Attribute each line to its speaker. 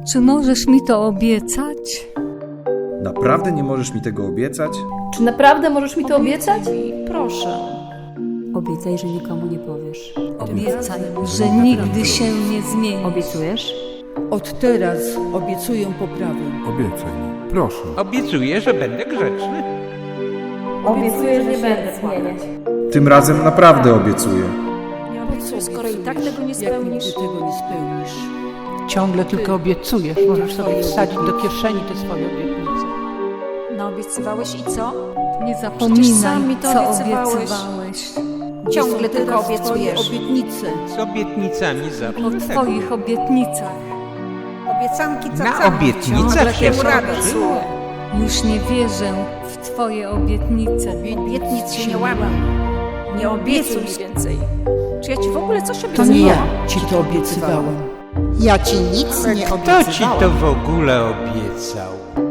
Speaker 1: Czy możesz mi to obiecać?
Speaker 2: Naprawdę nie możesz mi tego obiecać?
Speaker 3: Czy naprawdę możesz mi to obiecać? Proszę.
Speaker 4: Obiecaj, że nikomu nie powiesz.
Speaker 1: Obiecaj, że nigdy się nie zmienisz.
Speaker 4: Obiecujesz?
Speaker 5: Od teraz obiecuję poprawę.
Speaker 6: Obiecaj mi, proszę.
Speaker 7: Obiecuję, że będę grzeczny.
Speaker 3: Obiecuję, że nie będę zmieniać.
Speaker 2: Tym razem naprawdę obiecuję.
Speaker 3: Nie obiecuję, skoro i tak tego nie
Speaker 5: Jak
Speaker 3: spełnisz.
Speaker 5: nigdy tego nie spełnisz.
Speaker 8: Ciągle tylko obiecujesz, możesz sobie wsadzić do kieszeni te swoje obietnice.
Speaker 9: Naobiecywałeś i co?
Speaker 1: Nie
Speaker 9: Przecież
Speaker 1: zapominaj,
Speaker 9: sam mi to
Speaker 1: co
Speaker 9: obiecywałeś.
Speaker 1: obiecywałeś.
Speaker 5: Gdzie są
Speaker 9: Ciągle tylko
Speaker 5: teraz twoje
Speaker 9: obiecujesz.
Speaker 5: obietnice.
Speaker 7: Z obietnicami zawsze
Speaker 1: O
Speaker 7: tak.
Speaker 1: twoich obietnicach.
Speaker 9: Obiecanki
Speaker 7: Na obietnicach się skończyło.
Speaker 1: Już nie wierzę w twoje obietnice.
Speaker 9: Obietnic się nie łamam. Nie obiecuj mi więcej. Czy ja ci w ogóle coś
Speaker 5: To
Speaker 9: obiecywałam?
Speaker 5: nie ja ci to obiecywałam.
Speaker 10: Ja ci nic nie
Speaker 7: Kto ci
Speaker 10: obiecywałam.
Speaker 7: to w ogóle obiecał?